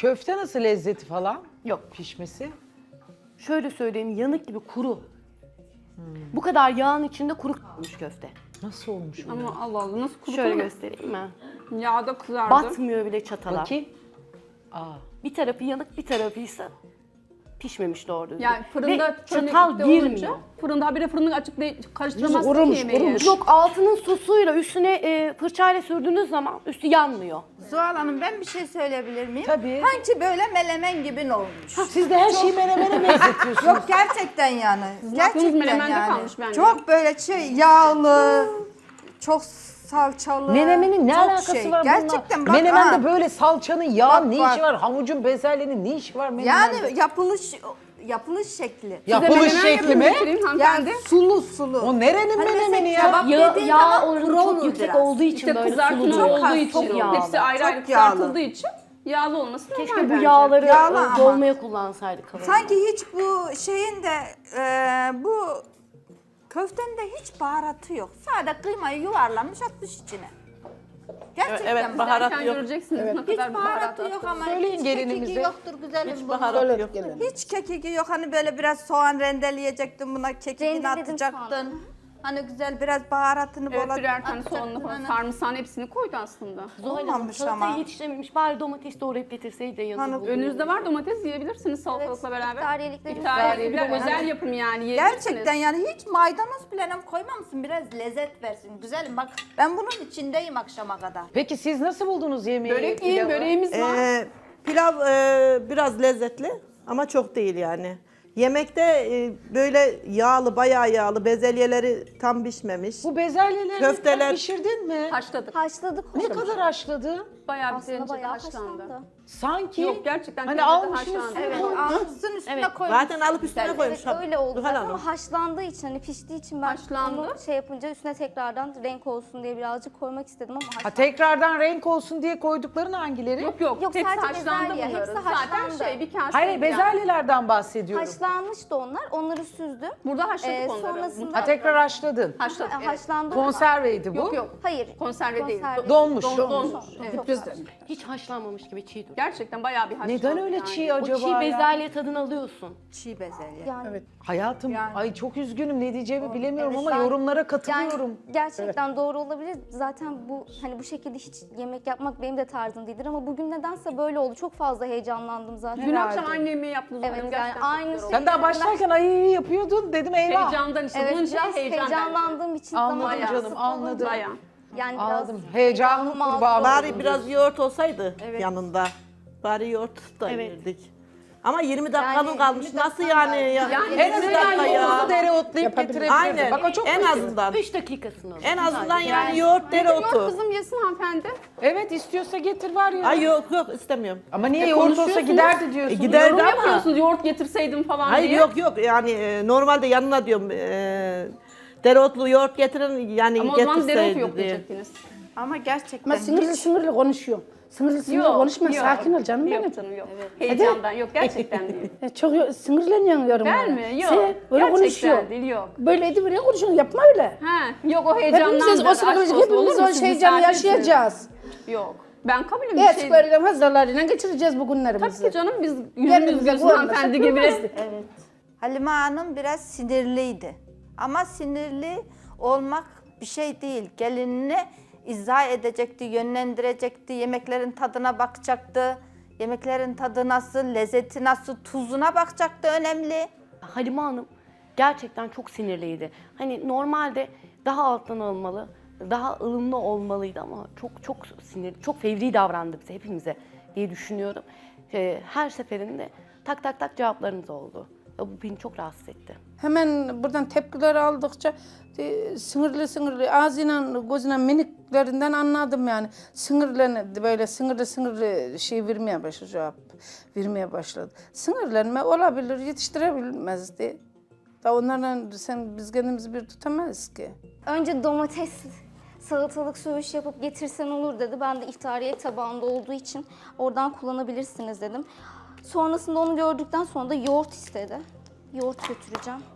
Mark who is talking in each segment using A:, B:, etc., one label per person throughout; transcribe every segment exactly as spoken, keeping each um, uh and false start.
A: Köfte nasıl, lezzeti falan?
B: Yok.
A: Pişmesi.
B: Şöyle söyleyeyim, yanık gibi kuru. Bu kadar yağın içinde kuru kalmış köfte.
A: Nasıl olmuş bu?
C: Ama Allah Allah nasıl kuru
B: Şöyle
C: kuru.
B: göstereyim mi?
C: Yağda kızardı.
B: Batmıyor bile çatala.
A: Bakayım. Aa.
B: Bir tarafı yanık, bir tarafıysa pişmemiş doğru düzgün.
C: Yani fırında
B: Ve
C: çömlekte
B: çatal
C: olunca,
B: girmiyor.
C: Fırında habire fırını açıp de karıştıramazsın
D: Kurumuş,
C: ki yemeği.
D: kurumuş.
B: Yok, altının sosuyla üstüne e, fırçayla sürdüğünüz zaman üstü yanmıyor.
E: Zuhal Hanım ben bir şey söyleyebilir miyim?
A: Tabii.
E: Sanki böyle melemen gibi olmuş.
A: Siz de her şeyi menemene benzetiyorsunuz.
E: Yok gerçekten yani.
C: aklınız
E: Gerçekten
C: melemende
E: yani.
C: kalmış bence.
E: Çok böyle şey yağlı, çok salçalı.
A: Menemenin ne
E: çok
A: alakası
E: şey.
A: var bununla?
E: Gerçekten bak.
A: Menemende
E: ha.
A: böyle salçanın, yağın
E: Bak,
A: ne
E: bak.
A: işi var? Havucun, bezelyenin ne işi var menemende?
E: Yani yapılış yapılış şekli.
A: Yapılış
C: Menemen
A: şekli
C: yapın
A: mi?
C: getireyim hanımefendi.
E: Yani sulu sulu.
A: O nerenin
E: Hani
A: menemeni
E: mesela
A: ya?
E: kebap
B: Ya,
E: dediğin
B: yağ
E: zaman
B: oranı
E: kuru
B: çok
E: olur
B: yüksek
E: biraz.
B: olduğu için
C: İşte
B: böyle
C: kızartma
B: sulu.
C: olduğu
E: az,
C: için,
E: çok yağlı,
C: hepsi ayrı
E: çok
C: ayrı
E: yağlı.
C: kızartıldığı için yağlı olması normal
B: Keşke bu
C: bence.
B: yağları
E: Yağlı
B: e,
E: ama.
B: dolmaya kullansaydık. kalanı.
E: Sanki hiç bu şeyin de e, bu köftenin de hiç baharatı yok. Sadece kıymayı yuvarlamış atmış içine. Gerçekten
D: Evet,
E: bak.
D: baharat
C: Zaten
D: yok.
C: göreceksiniz ne
E: Hiç
C: kadar
E: baharatı
C: baharat
E: yok
C: attığını.
E: ama
A: Söyleyin
E: hiç
A: gelinimize.
E: kekiki yoktur güzelim bunun.
D: Baharat yok gene.
E: Hiç kekiki yok. Hani böyle biraz soğan rendeleyecektin buna kekikini
F: Rendeledim
E: atacaktın. Hani güzel biraz baharatını
C: Evet,
E: bol
C: birer tane
E: atacaktın.
C: soğanını falan
E: Hani.
C: sarımsağın hepsini koydu aslında.
B: Zuhal Hanım
E: Olmamış
B: salatayı
E: ama.
B: yetiştirememiş. Bari domates doğrayıp getirseydi de yanında
E: Hani
B: bulunurdu.
C: Önünüzde var domates yiyebilirsiniz salatalıkla beraber.
F: iftariyeliklerimiz
C: İftariyelik bir de
E: var.
C: özel yapım yani yiyebilirsiniz.
E: Gerçekten yani hiç maydanoz bile koymamışsın. Biraz lezzet versin. Güzelim bak ben bunun içindeyim akşama kadar.
A: Peki siz nasıl buldunuz yemeği?
C: Börek yiyin,
A: pilavı?
C: böreğimiz var.
D: Ee, pilav e, biraz lezzetli ama çok değil yani. Yemekte e, böyle yağlı, bayağı yağlı, bezelyeleri tam pişmemiş.
A: Bu bezelyeleri
D: Köfteler-
A: pişirdin mi?
C: Haşladık.
F: Haşladık.
A: Ne kadar haşladın?
C: Bayağı bir
F: Aslında
C: tencere
F: bayağı
C: haşlandı.
F: haşlandı.
A: Sanki
C: Yok, gerçekten
A: hani
C: tencerede
A: almışsınız.
C: haşlandı.
E: Evet almışsın üstüne
B: Evet.
E: koymuş.
D: Zaten alıp üstüne koymuş.
F: Evet öyle oldu
D: Zuhal
F: zaten
D: Hanım.
F: ama haşlandığı için hani piştiği için ben
C: Haşlandı.
F: onu şey yapınca üstüne tekrardan renk olsun diye birazcık koymak istedim ama
A: Ha,
F: haşlandı.
A: tekrardan renk olsun diye koydukların hangileri?
C: Yok yok,
F: Yok,
C: hepsi
F: sadece
C: haşlandı
F: bezelye,
C: bunların.
F: hepsi
C: Zaten
F: haşlandı.
C: şey bir kase.
A: Hayır, bezelyelerden bahsediyorum.
F: Haşlanmıştı onlar. Onları süzdüm.
C: Burada haşladık
F: Ee,
C: onları.
F: sonrasında-
A: Ha, tekrar haşladın.
C: Haşladık,
F: Ha,
C: evet.
F: Haşlandı ama-
A: Konserveydi bu.
C: Yok yok.
F: Hayır.
C: Konserve değil.
F: Konserve.
A: Donmuş.
C: Don- donmuş. Evet.
F: Çok
D: Bizden.
B: Hiç haşlanmamış gibi çiğ duruyor.
C: Gerçekten bayağı bir haşlandı.
A: Neden öyle
C: yani.
A: çiğ
B: O
A: acaba
B: çiğ
A: ya?
B: bezelye tadını alıyorsun.
E: Çiğ bezelye.
F: Yani,
A: Hayatım,
E: Yani.
A: ay çok üzgünüm, ne diyeceğimi bilemiyorum
F: evet,
A: ama
F: ben-
A: yorumlara
F: yani
A: katılıyorum.
F: gerçekten doğru olabilir. Zaten bu hani bu şekilde hiç yemek yapmak benim de tarzım değildir ama bugün nedense böyle oldu. Çok fazla heyecanlandım zaten.
C: Dün akşam aynı yemeği yaptınız.
F: Evet,
C: Gerçekten
F: yani
C: çok
F: aynı
C: güzel oldu.
A: Sen daha başlarken ay yapıyordun, dedim eyvah.
C: Heyecandan işte.
F: Evet
C: Bunun için
F: biraz
C: heyecan bence.
F: heyecanlandığım için
A: Anladım
F: zaman
A: canım,
F: kısıtlı
A: anladım.
F: olunca
C: Bayağı.
F: Yani biraz
A: Aldım. Heyecanlı
F: heyecanlı mağdur
A: kurbağa
F: oldum.
D: Bari biraz yoğurt olsaydı yanında. Bari yoğurt da
B: Evet.
D: yerdik. Ama yirmi dakikanın
F: Yani
D: kalmış.
F: yirmi
D: Nasıl
F: dakikan
D: yani? Ya?
C: Yani
A: En
D: yirmi
A: azından
D: dakika ya.
A: yoğurdu dereotlayıp getirebilirdin.
D: Aynen.
A: Bak o çok
D: en
A: basit.
D: azından.
B: üç dakikasını alır.
D: En azından
B: Sadece.
D: yani yoğurt
C: Yoğurt
D: dereotu.
C: kızım yesin hanımefendi.
A: Evet, istiyorsa getir var ya.
D: Ay yok yok istemiyorum.
A: Ama niye yoğurt olsa
C: konuşuyorsunuz.
A: giderdi diyorsun.
D: E, gider-
C: Yorum
D: ama-
C: yapıyorsunuz yoğurt getirseydim falan
D: Hayır
C: diye.
D: yok yok yani e, normalde yanına diyorum e, dereotlu yoğurt getirin yani
C: Ama o zaman dereotu
D: getirseydi
C: yok
D: diye.
C: diyecektiniz.
E: Ama gerçekten
G: Ama sinirli
E: hiç-
G: sinirli konuşuyor. Sinirli sinirli konuşma, sakin ol canım benim.
C: Yok canım yok. Heyecandan yok, gerçekten değil.
G: E, Çok yo- sinirleniyorsun yorum.
C: Ben
G: yani.
C: mi? Yok.
G: Sen öyle
C: Gerçekten
G: konuşuyor.
C: değil, yok.
G: Böyle edip böyle konuşuyorsun, yapma öyle.
C: Ha, yok o heyecandan.
G: Hepimiz o sırada hepimiz o heyecanı yaşayacağız.
C: Yok. Ben kabulüm bir
G: Evet,
C: şey.
G: böyle hazırlarıyla geçireceğiz bu
C: Tabii
G: günlerimizi.
C: ki canım biz
G: Yerimize
C: yüzümüz gülsün
G: koymasak
C: hanımefendi gibi.
G: bilmezdik.
E: Halime Hanım biraz sinirliydi. Ama sinirli olmak bir şey değil. Gelinini izah edecekti, yönlendirecekti, yemeklerin tadına bakacaktı. Yemeklerin tadı nasıl, lezzeti nasıl, tuzuna bakacaktı önemli.
B: Halime Hanım gerçekten çok sinirliydi. Hani normalde daha alttan alınmalı, daha ılımlı olmalıydı ama çok çok sinirli, çok fevri davrandı bize, hepimize diye düşünüyorum. Ee, her seferinde tak tak tak cevaplarınız oldu. Ya bu beni çok rahatsız etti.
G: Hemen buradan tepkiler aldıkça e, sinirli sinirli ağzıyla gözüne mimiklerinden anladım yani. Sinirlen böyle sinirli sinirli şey vermeye başladı, cevap vermeye başladı. Sinirlenme olabilir, yetiştirebilmezdi. Da onlarla sen biz kendimizi bir tutamayız ki.
F: Önce domates salatalık söğüş yapıp getirsen olur dedi. Ben de iftariye tabağında olduğu için oradan kullanabilirsiniz dedim. Sonrasında onu gördükten sonra da yoğurt istedi. Yoğurt götüreceğim.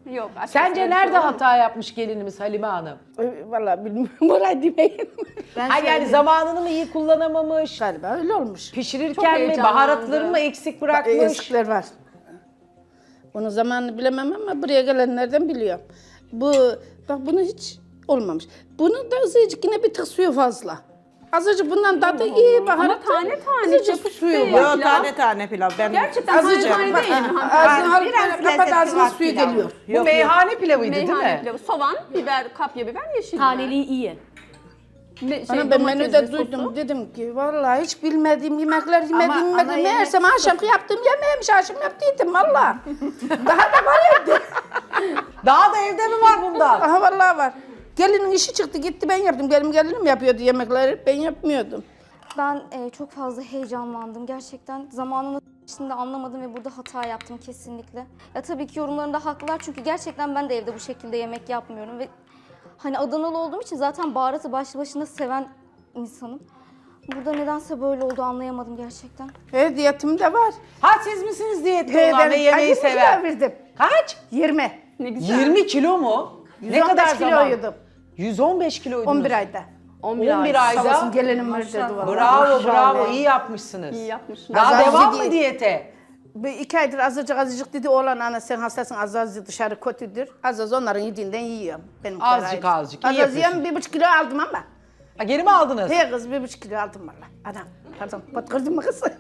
C: Yok. açıkçası
A: Sence
C: öyle bir
A: nerede
C: şey olmaz.
A: hata yapmış gelinimiz Halime Hanım?
G: Ee, Vallahi bilmiyorum. Orayı demeyeyim.
A: Ha yani zamanını mı iyi kullanamamış?
G: Galiba öyle olmuş.
A: Pişirirken mi,
C: heyecanlandı.
A: baharatları mı eksik bırakmış?
G: Eksikler var. Onun zamanını bilemem ama buraya gelenlerden biliyorum. Bu, bak bunu hiç olmamış. Bunun da azıcık yine bir tık suyu fazla. Azıcık bundan tadı iyi baharat.
C: Ama tane tane
G: azıcık
C: yapıştı
G: suyu
C: ya.
G: var.
D: Yok
C: pilav.
D: tane tane pilav. Ben
C: Gerçekten
G: Azıcık.
C: tane tane değil mi?
G: Ağzına
C: hanımefendi?
G: alıp
E: biraz
G: böyle kapat
E: lezzeti
G: ağzına
E: var
G: suyu
E: pilavın.
G: geliyor.
A: Bu meyhane pilavıydı değil
C: Meyhane
A: mi?
C: pilavı. Soğan, biber, kapya biber, yeşil biber.
B: Taneliği iyi.
C: Me-
G: Ana
C: şey,
G: ben
C: domatesli
G: menüde
C: sosu.
G: duydum dedim ki vallahi hiç bilmediğim yemekler yemediğim
E: Ama
G: yemekler.
E: ana yemek
G: Meğersem akşamki yaptığım yemeğiymiş akşam yaptıydım valla. Daha da var evde.
A: Daha da evde mi var bundan?
G: Aha vallahi var. Gelinin işi çıktı gitti ben yaptım. Gelim gelinim yapıyordu yemekleri ben yapmıyordum.
F: Ben e, çok fazla heyecanlandım. Gerçekten zamanını içinde anlamadım ve burada hata yaptım kesinlikle. Ya tabii ki yorumlarında haklılar çünkü gerçekten ben de evde bu şekilde yemek yapmıyorum ve hani Adanalı olduğum için zaten baharatı başlı başına seven insanım. Burada nedense böyle oldu anlayamadım gerçekten.
G: He diyetim de var.
A: Ha siz misiniz diyetli
G: He,
A: olan ve
G: ben
A: yemeği
G: acı
A: seven?
G: kilo verdim.
A: Kaç?
G: yirmi.
C: Ne güzel.
A: yirmi kilo mu? Ne kadar zaman?
G: kiloydum.
A: yüz on beş kiloydunuz.
G: on bir ayda.
B: on bir
A: on bir
B: ay.
A: ayda.
G: Sağ olsun gelinim verdi vallahi.
A: Bravo bravo iyi yapmışsınız.
C: İyi yapmışsın.
A: Daha
G: Azar
A: devam
G: değil.
A: mı diyete?
G: Bir iki aydır azıcık azıcık dedi oğlan ana sen hastasın az az dışarı kötüdür. Az az onların yediğinden yiyorum. Benim
A: Azıcık azıcık, iyi
G: Az az
A: yapıyorsun.
G: yiyorum bir buçuk kilo aldım ama.
A: Ha, geri mi aldınız?
G: He kız bir buçuk kilo aldım valla. Adam pardon batkırdın mı kız?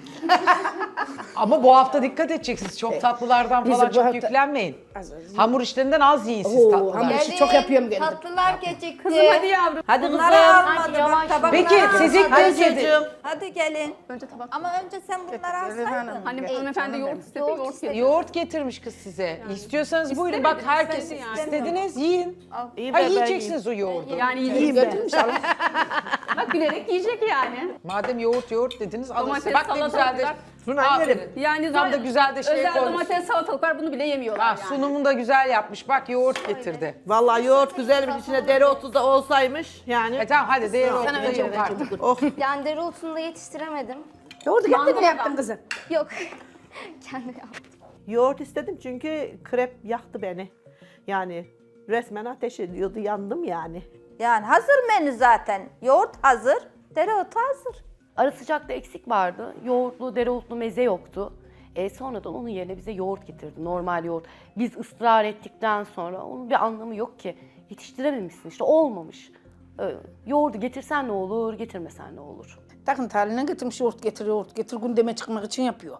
A: Ama bu hafta dikkat edeceksiniz. Çok tatlılardan
G: Bizi
A: falan
G: bu
A: çok
G: hafta-
A: yüklenmeyin.
G: Az az yiyin.
A: Hamur işlerinden az yiyin siz
G: Oo,
A: tatlılar.
G: hamur işi çok yapıyorum kendim.
E: Tatlılar gecikti.
C: Kızım hadi yavrum.
D: Hadi
E: Bunları
D: kızım.
E: almadı bak tabakları.
A: Peki siz ilk
D: Hadi
A: kez yediniz.
D: çocuğum.
E: Hadi gelin.
C: Önce tabak.
E: Ama önce sen bunları alsaydın.
C: Hani hanımefendi yoğurt istedi,
F: Yoğurt
C: yoğurt
F: istedi.
C: yedi.
A: Yoğurt getirmiş kız size. İstiyorsanız buyurun
C: İstemedi,
A: bak herkes
C: istemedi yani.
A: istediniz yiyin.
D: İyi
A: Ha
D: be, ben
A: yiyeceksiniz o yoğurdu.
C: Yani
G: İyiyim
C: yiyecek.
G: ben. İnşallah.
C: Bak gülerek yiyecek yani.
A: Madem yoğurt yoğurt dediniz alın
C: Domates,
A: size. Bak ne güzel de.
C: salatalıklar.
D: Suna
A: Aferin.
D: yerim.
C: Yani
A: Tam da
C: zor-
A: güzel de şey
C: özel
A: koymuş.
C: domates, salatalık var bunu bile yemiyorlar
A: Ha,
C: yani.
A: sunumunu da güzel yapmış. Bak yoğurt getirdi.
D: Vallahi yoğurt güzelmiş içine dereotu da olsaymış yani.
A: E tamam hadi dereotu da
G: önce
A: yok artık.
D: Oh.
F: Yani dereotunu da yetiştiremedim.
G: Yoğurdu kendin
C: Mangalda.
G: mi yaptın kızım?
F: Yok. Kendim yaptım.
D: Yoğurt istedim çünkü krep yaktı beni. Yani resmen ateş ediyordu yandım yani.
E: Yani hazır menü zaten. Yoğurt hazır, dereotu hazır.
B: Ara sıcakta eksik vardı. Yoğurtlu, dereotlu meze yoktu. E, sonradan onun yerine bize yoğurt getirdi. Normal yoğurt. Biz ısrar ettikten sonra onun bir anlamı yok ki. Yetiştirememişsin işte olmamış. E, yoğurdu getirsen ne olur, getirmesen ne olur.
G: Takın haline getirmiş yoğurt getir yoğurt getir gündeme çıkmak için yapıyor.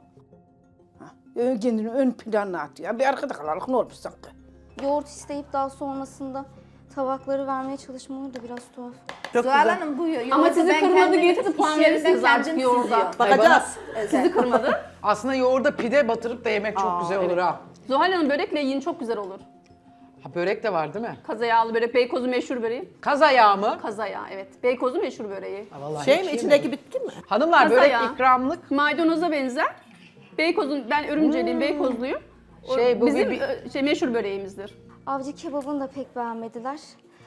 G: Ha, ön- kendini ön plana atıyor. Bir arkada kalalım ne olmuş sanki.
F: Yoğurt isteyip daha sonrasında tabakları vermeye çalışmaları da biraz tuhaf.
D: Çok
E: Zuhal
D: güzel.
E: Hanım bu yoğurdu
C: Ama sizi
E: ben
C: kırmadı
E: kendim
C: getirdi puan
E: iş yerimden
C: verirsiniz artık
E: kendim
C: yoğurda.
E: süzüyorum.
D: Bakacağız.
C: Sizi kırmadı.
A: Aslında yoğurda pide batırıp da yemek çok güzel olur ha.
C: Zuhal Hanım börekle yiyin çok güzel olur.
A: Ha börek de var değil mi?
C: Kaza yağlı börek, Beykoz'un meşhur böreği.
A: Kaz ayağı mı?
C: Kaza yağı evet. Beykoz'un meşhur böreği.
A: Ha, vallahi
D: Şey
A: hiç
D: mi
A: yemedim.
D: içindeki bitki mi?
A: Hanımlar
C: Kaz
A: börek
C: ayağı.
A: ikramlık.
C: Maydanoza benzer. Beykoz'un, ben Örümceliyim, Beykozluyum. O
A: Şey, bu
C: bizim
A: bir-
C: ö, şey, meşhur böreğimizdir.
F: Avcı kebabını da pek beğenmediler.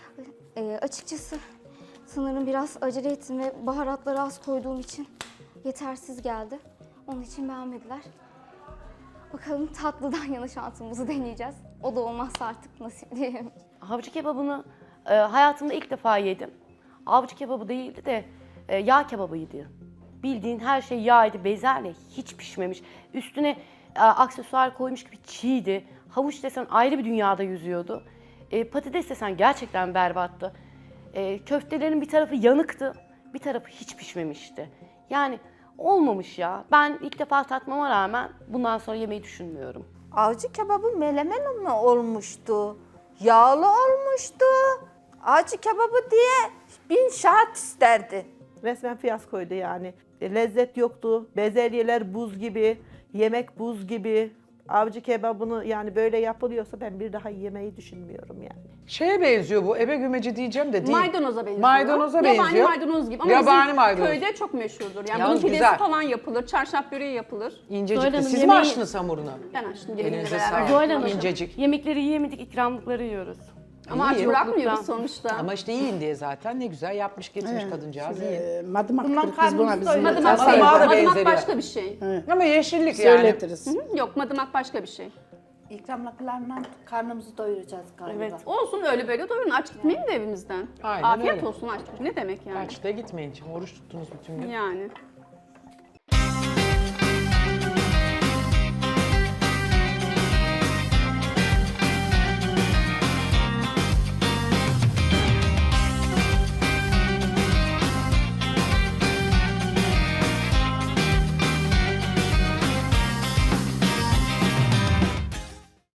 F: Ee, açıkçası sanırım biraz acele ettim ve baharatları az koyduğum için yetersiz geldi. Onun için beğenmediler. Bakalım tatlıdan yana şansımızı deneyeceğiz. O da olmazsa artık nasip diyelim.
B: Avcı kebabını e, hayatımda ilk defa yedim. Avcı kebabı değildi de e, yağ kebabıydı. Bildiğin her şey yağydı, bezelye hiç pişmemiş. Üstüne e, aksesuar koymuş gibi çiğdi. Havuç desen ayrı bir dünyada yüzüyordu. E, patates desen gerçekten berbattı. E, köftelerin bir tarafı yanıktı, bir tarafı hiç pişmemişti. Yani olmamış ya. Ben ilk defa tatmama rağmen bundan sonra yemeyi düşünmüyorum.
E: Avcı kebabı melemen mi olmuştu? Yağlı olmuştu. Avcı kebabı diye bin şahat isterdi.
D: Resmen fiyaskoydu yani. E, lezzet yoktu. Bezelyeler buz gibi. Yemek buz gibi. Avcı kebabını yani böyle yapılıyorsa ben bir daha yemeyi düşünmüyorum yani.
A: Şeye benziyor bu. Ebe gümeci diyeceğim de değil.
C: Maydanoza benziyor.
A: Maydanoza
C: Yabani
A: benziyor.
C: maydanoz gibi ama
A: Yabani
C: bizim
A: maydanoz.
C: köyde çok meşhurdur. Yani
A: Yalnız
C: bunun pidesi
A: güzel.
C: falan yapılır, çarşaf böreği yapılır.
A: İncecik.
B: Söyle
A: de.
B: hanım,
A: Siz mi
B: yemeği-
A: açtınız hamurunu?
C: Ben açtım gelinle
A: Elinize
C: beraber.
A: sağlık.
B: Zuhal Hanım,
A: İncecik.
B: yemekleri yiyemedik, ikramlıkları yiyoruz.
C: Ama aç
A: İyi.
C: bırakmıyoruz
B: Yokluktan.
C: sonuçta.
A: Ama işte yiyin diye zaten ne güzel yapmış getirmiş kadıncağız yiyin.
G: Ee, madımak
E: Bundan
G: kırık biz buna
E: karnımız
G: bizim.
E: doyuyor.
C: Madımak,
A: Madımağa
C: şey,
A: da
C: madımak
A: benzeriyor.
C: başka bir şey.
A: Ama yeşillik yani.
G: Söyletiriz.
C: Hı, yok madımak başka bir şey.
H: ikramlıklarla karnımızı doyuracağız galiba.
B: Evet.
C: Olsun öyle böyle doyurun. Aç gitmeyin de evimizden.
A: Aynen
C: Afiyet
A: öyle.
C: olsun aç. Ne demek yani?
A: Kaçta gitmeyin. Şimdi oruç tuttunuz bütün gün.
C: Yani.